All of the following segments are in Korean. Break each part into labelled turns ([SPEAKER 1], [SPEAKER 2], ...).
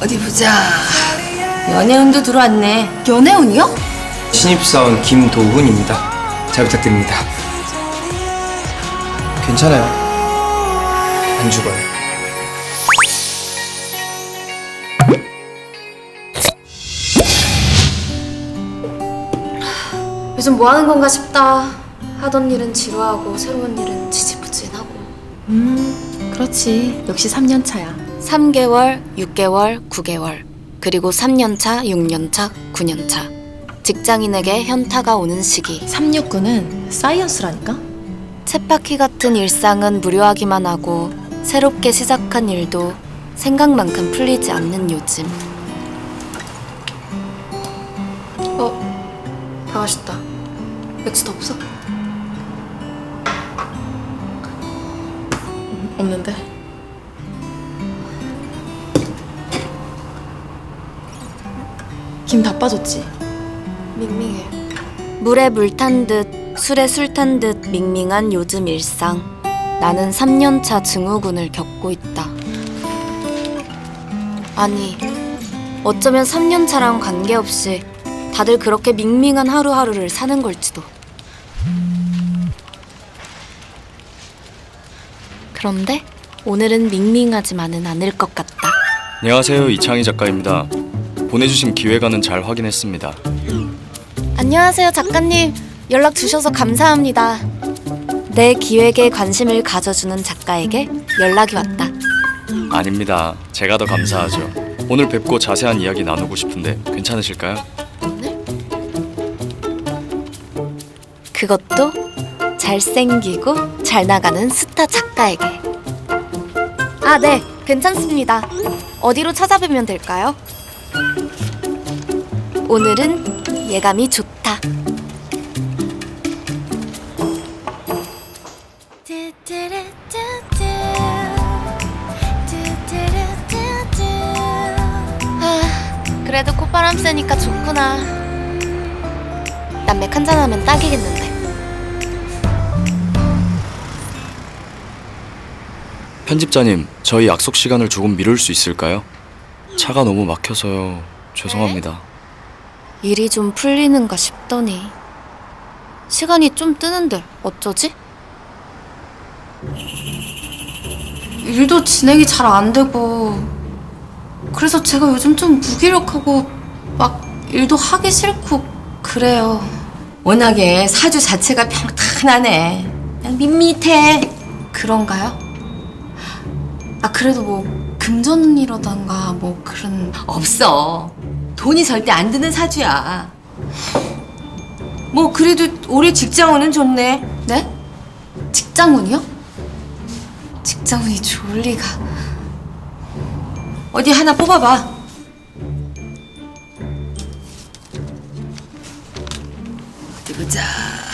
[SPEAKER 1] 어디 보자. 연애운도 들어왔네.
[SPEAKER 2] 연애운이요?
[SPEAKER 3] 신입사원 김도훈입니다. 잘 부탁드립니다. 괜찮아요. 안 죽어요.
[SPEAKER 2] 요즘 뭐 하는 건가 싶다. 하던 일은 지루하고 새로운 일은 지지부진하고.
[SPEAKER 4] 그렇지. 역시 3년 차야.
[SPEAKER 2] 3개월, 6개월, 9개월. 그리고 3년차, 6년차, 9년차. 직장인에게 현타가 오는 시기.
[SPEAKER 4] 369는 사이언스라니까?
[SPEAKER 2] 쳇바퀴 같은 일상은 무료하기만 하고 새롭게 시작한 일도 생각만큼 풀리지 않는 요즘. 다 맛있다. 맥주 더 없어?
[SPEAKER 4] 없는데. 김 다 빠졌지?
[SPEAKER 2] 밍밍해. 물에 물 탄 듯, 술에 술 탄 듯 밍밍한 요즘 일상. 나는 3년차 증후군을 겪고 있다. 아니, 어쩌면 3년차랑 관계없이 다들 그렇게 밍밍한 하루하루를 사는 걸지도. 그런데 오늘은 밍밍하지만은 않을 것 같다.
[SPEAKER 5] 안녕하세요, 이창희 작가입니다. 보내주신 기획안은 잘 확인했습니다.
[SPEAKER 2] 안녕하세요, 작가님. 연락 주셔서 감사합니다. 내 기획에 관심을 가져주는 작가에게 연락이 왔다.
[SPEAKER 5] 아닙니다. 제가 더 감사하죠. 오늘 뵙고 자세한 이야기 나누고 싶은데 괜찮으실까요?
[SPEAKER 2] 그것도 잘생기고 잘 나가는 스타 작가에게. 아, 네, 괜찮습니다. 어디로 찾아뵈면 될까요? 오늘은 예감이 좋다. 아, 그래도 콧바람 쐬니까 좋구나. 남맥 한잔하면 딱이겠는데.
[SPEAKER 5] 편집자님, 저희 약속 시간을 조금 미룰 수 있을까요? 차가 너무 막혀서요. 죄송합니다.
[SPEAKER 2] 일이 좀 풀리는가 싶더니 시간이 좀 뜨는데 어쩌지?
[SPEAKER 4] 일도 진행이 잘 안 되고, 그래서 제가 요즘 좀 무기력하고 막 일도 하기 싫고 그래요.
[SPEAKER 1] 워낙에 사주 자체가 평탄하네. 그냥 밋밋해.
[SPEAKER 4] 그런가요? 아, 그래도 뭐 금전이라던가 뭐 그런.
[SPEAKER 1] 없어. 돈이 절대 안 드는 사주야. 뭐 그래도 올해 직장운은 좋네.
[SPEAKER 4] 네? 직장운이요? 직장운이 좋을 리가.
[SPEAKER 1] 어디 하나 뽑아봐. 어디 보자.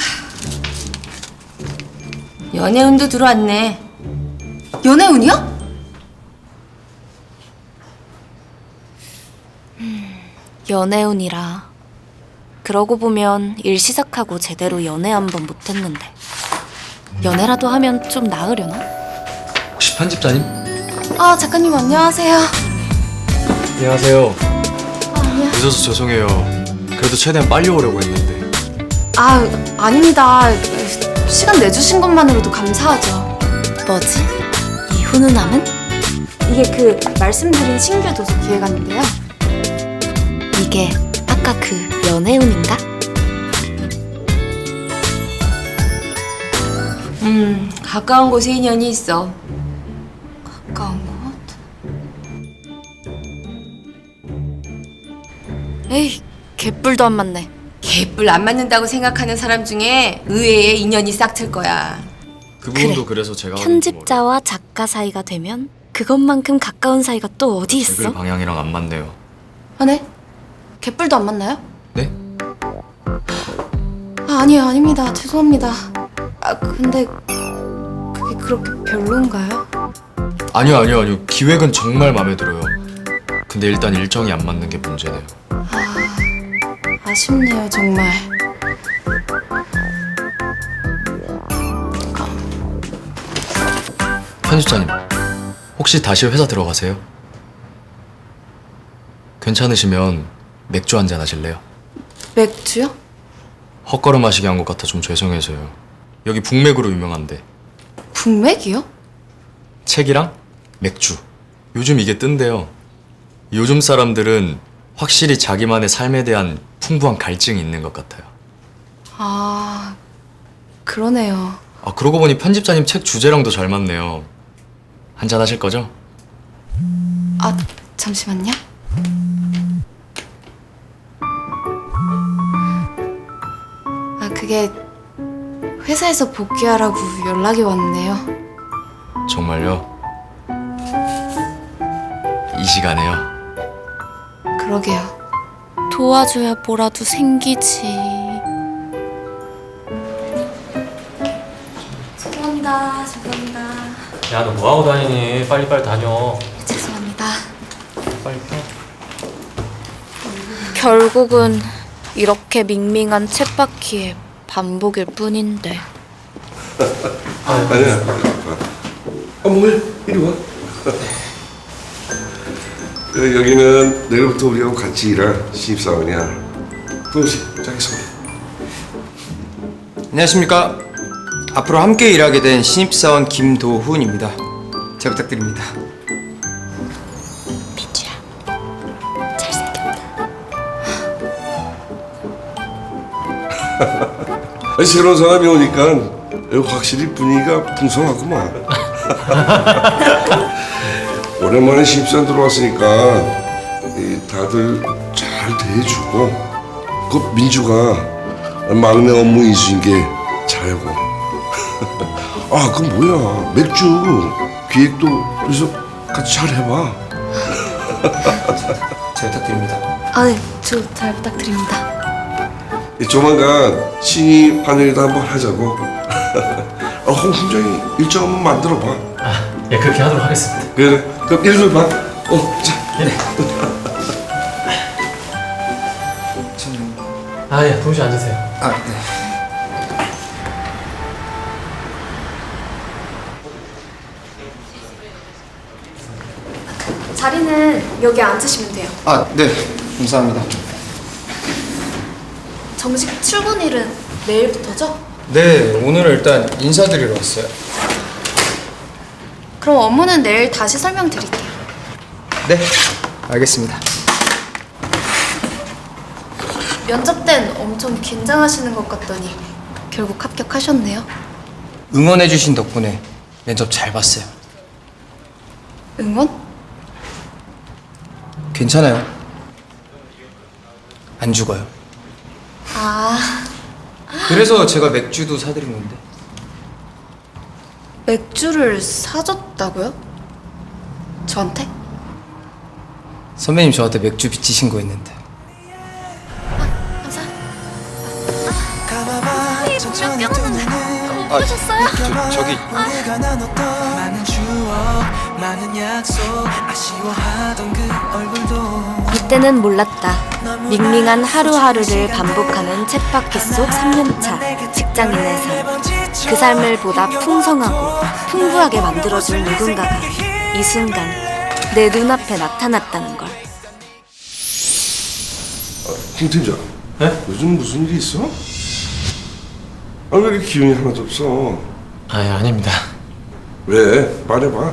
[SPEAKER 1] 연애운도 들어왔네.
[SPEAKER 4] 연애운이요?
[SPEAKER 2] 연애운이라. 그러고 보면 일 시작하고 제대로 연애 한 번 못했는데. 연애라도 하면 좀 나으려나?
[SPEAKER 5] 혹시 편집자님?
[SPEAKER 4] 아, 작가님 안녕하세요.
[SPEAKER 5] 안녕하세요.
[SPEAKER 4] 안녕.
[SPEAKER 5] 늦어서 죄송해요. 그래도 최대한 빨리 오려고 했는데.
[SPEAKER 4] 아, 아닙니다. 시간 내주신 것만으로도 감사하죠.
[SPEAKER 2] 뭐지? 이 훈훈함은?
[SPEAKER 4] 이게 그 말씀드린 신규 도서 기획안인데요.
[SPEAKER 2] 이게 아까 그 연애운인가?
[SPEAKER 1] 가까운 곳에 인연이 있어.
[SPEAKER 4] 가까운 곳?
[SPEAKER 2] 에이, 개뿔도 안 맞네.
[SPEAKER 1] 개뿔 안 맞는다고 생각하는 사람 중에 의외의 인연이 싹틀 거야.
[SPEAKER 5] 그 부분도
[SPEAKER 2] 그래.
[SPEAKER 5] 그래서 제가
[SPEAKER 2] 편집자와 작가 사이가 되면 그것만큼 가까운 사이가 또 어디
[SPEAKER 5] 댓글
[SPEAKER 2] 있어?
[SPEAKER 5] 방향이랑 안 맞네요.
[SPEAKER 4] 아, 네? 개뿔도 안 맞나요?
[SPEAKER 5] 네?
[SPEAKER 4] 아, 아니에요. 아닙니다. 죄송합니다. 아, 근데 그게 그렇게 별론가요?
[SPEAKER 5] 아니요. 기획은 정말 마음에 들어요. 근데 일단 일정이 안 맞는 게 문제네요.
[SPEAKER 4] 아쉽네요, 정말.
[SPEAKER 5] 편집자님, 혹시 다시 회사 들어가세요? 괜찮으시면 맥주 한잔 하실래요?
[SPEAKER 4] 맥주요?
[SPEAKER 5] 헛걸음 하시게 한 것 같아 좀 죄송해서요. 여기 북맥으로 유명한데.
[SPEAKER 4] 북맥이요?
[SPEAKER 5] 책이랑 맥주. 요즘 이게 뜬대요. 요즘 사람들은 확실히 자기만의 삶에 대한 풍부한 갈증이 있는 것 같아요.
[SPEAKER 4] 아, 그러네요.
[SPEAKER 5] 아, 그러고 보니 편집자님 책 주제랑도 잘 맞네요. 한잔 하실 거죠?
[SPEAKER 4] 아, 잠시만요. 아, 그게 회사에서 복귀하라고 연락이 왔네요.
[SPEAKER 5] 정말요? 이 시간에요?
[SPEAKER 4] 그러게요.
[SPEAKER 2] 도와줘야 뭐라도 생기지.
[SPEAKER 4] 죄송합니다.
[SPEAKER 6] 야, 너 뭐하고 다니니? 빨리빨리 다녀.
[SPEAKER 4] 죄송합니다.
[SPEAKER 6] 빨리 펴.
[SPEAKER 2] 결국은 이렇게 밍밍한 쳇바퀴의 반복일 뿐인데.
[SPEAKER 7] 아니야. 뭐해? 이리 와. 여기는 내일부터 우리하고 같이 일할 신입사원이야. 도우씨, 자기소개.
[SPEAKER 3] 안녕하십니까. 앞으로 함께 일하게 된 신입사원 김도훈입니다. 잘 부탁드립니다.
[SPEAKER 2] 민주야, 잘생겼다.
[SPEAKER 7] 아니, 새로운 사람이 오니까 여기 확실히 분위기가 풍성하구만. 오랜만에 신입사원 들어왔으니까 다들 잘 대해주고 그 민주가 막내 업무 인수인 게 잘하고. 아, 그건 뭐야, 맥주 기획도 그래서 같이 잘 해봐.
[SPEAKER 3] 잘 부탁드립니다.
[SPEAKER 4] 아, 네. 저 잘 부탁드립니다.
[SPEAKER 7] 조만간 신입 환영회도 한번 하자고. 홍 팀장이 일정 한번 만들어봐.
[SPEAKER 6] 예, 그렇게 하도록 하겠습니다.
[SPEAKER 7] 그래, 그럼 일좀 봐. 자.
[SPEAKER 6] 아, 예, 동시 앉으세요.
[SPEAKER 3] 아, 네.
[SPEAKER 4] 자리는 여기 앉으시면 돼요.
[SPEAKER 3] 아, 네. 감사합니다.
[SPEAKER 4] 정식 출근일은 내일부터죠?
[SPEAKER 3] 네, 오늘은 일단 인사드리러 왔어요.
[SPEAKER 4] 그럼 업무는 내일 다시 설명드릴게요.
[SPEAKER 3] 네, 알겠습니다.
[SPEAKER 4] 면접 땐 엄청 긴장하시는 것 같더니 결국 합격하셨네요.
[SPEAKER 3] 응원해주신 덕분에 면접 잘 봤어요.
[SPEAKER 4] 응원?
[SPEAKER 3] 괜찮아요. 안 죽어요.
[SPEAKER 4] 아,
[SPEAKER 3] 그래서 제가 맥주도 사드린 건데.
[SPEAKER 4] 맥주를 사줬다고요? 저한테?
[SPEAKER 3] 선배님 저한테 맥주 비치신 거 있는데. 저기
[SPEAKER 2] 이때는 몰랐다. 밍밍한 하루하루를 반복하는 쳇바퀴 속 3년차 직장인의 삶. 그 삶을 보다 풍성하고 풍부하게 만들어줄 누군가가 이 순간 내 눈앞에 나타났다는 걸.
[SPEAKER 7] 홍 팀장.
[SPEAKER 6] 네?
[SPEAKER 7] 요즘 무슨 일이 있어? 아, 왜 이렇게 기운이 하나도 없어?
[SPEAKER 6] 아, 예, 아닙니다.
[SPEAKER 7] 왜? 말해봐.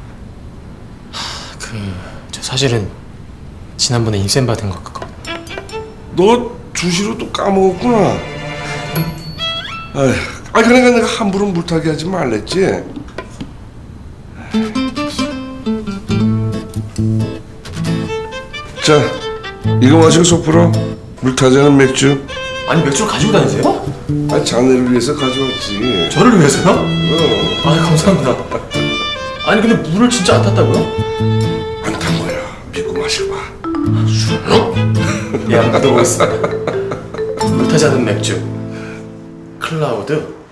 [SPEAKER 6] 저 사실은 지난번에 인센 받은 것 같고.
[SPEAKER 7] 너 주시로 또 까먹었구나. 아휴, 그러니까 내가 함부로 물타기 하지 말랬지. 자, 이거 마시고 속 풀어. 물타지 않은 맥주.
[SPEAKER 6] 아니, 맥주를 가지고 다니세요?
[SPEAKER 7] 아, 자네를 위해서 가져왔지.
[SPEAKER 6] 저를 위해서요? 아, 감사합니다. 아니, 근데 물을 진짜 안 탔다고요?
[SPEAKER 7] 안 탄 거야. 믿고 마셔봐.
[SPEAKER 6] 예, 한번 믿어보겠습니다. 물 타지 않은 맥주. 클라우드.